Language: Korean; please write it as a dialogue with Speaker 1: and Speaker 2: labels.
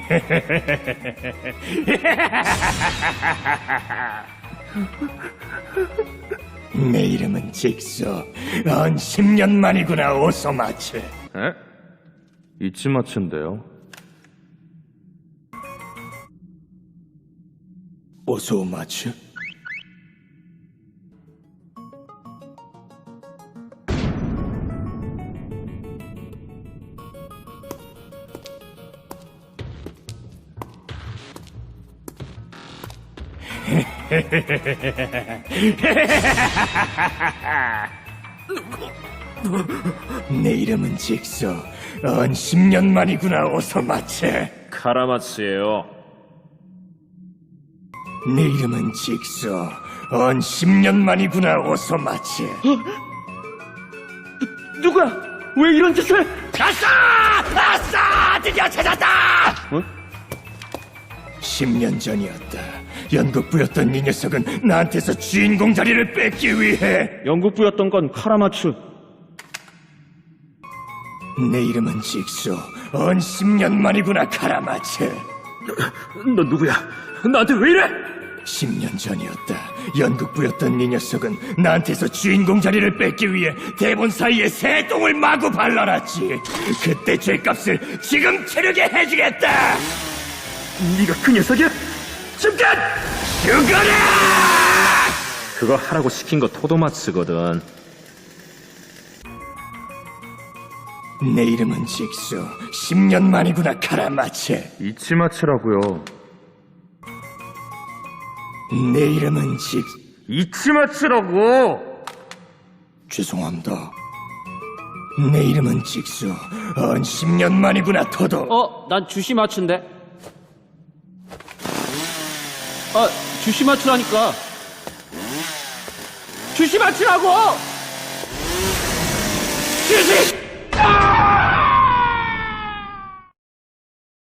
Speaker 1: 내 이름은 직소. 한 10년 만이구나, 오소마츠.
Speaker 2: 에? 이치마츠인데요.
Speaker 1: 오소마츠? 내 이름은 직소. 한 10년 만이구나, 오소마츠.
Speaker 2: 카라마츠예요.
Speaker 1: 내 이름은 직소. 한 10년 만이구나, 오소마츠.
Speaker 2: 누구야? 왜 이런 짓을?
Speaker 1: 아싸! 아싸! 드디어 찾았다!
Speaker 2: 어?
Speaker 1: 10년 전이었다. 연극부였던 이 녀석은 나한테서 주인공 자리를 뺏기 위해.
Speaker 2: 영국부였던 건 카라마츠.
Speaker 1: 내 이름은 직소. 한 10년 만이구나, 카라마츠.
Speaker 2: 너 누구야? 나한테 왜 이래?
Speaker 1: 10년 전이었다. 연극부였던 이 녀석은 나한테서 주인공 자리를 뺏기 위해 대본 사이에 새 똥을 마구 발라놨지. 그때 죄값을 지금 치르게 해주겠다.
Speaker 2: 네가 그 녀석이야?
Speaker 1: 잠깐! 죽어라!
Speaker 2: 그거 하라고 시킨 거 토도마츠거든.
Speaker 1: 내 이름은 직소. 10년 만이구나, 카라마츠.
Speaker 2: 이치마츠라고요.
Speaker 1: 내 이름은
Speaker 2: 이치마츠라고!
Speaker 1: 죄송합니다. 내 이름은 직소. 한 10년 만이구나, 토도.
Speaker 3: 난 주시마츠인데. 주시마츠라니까. 주시마츠라고!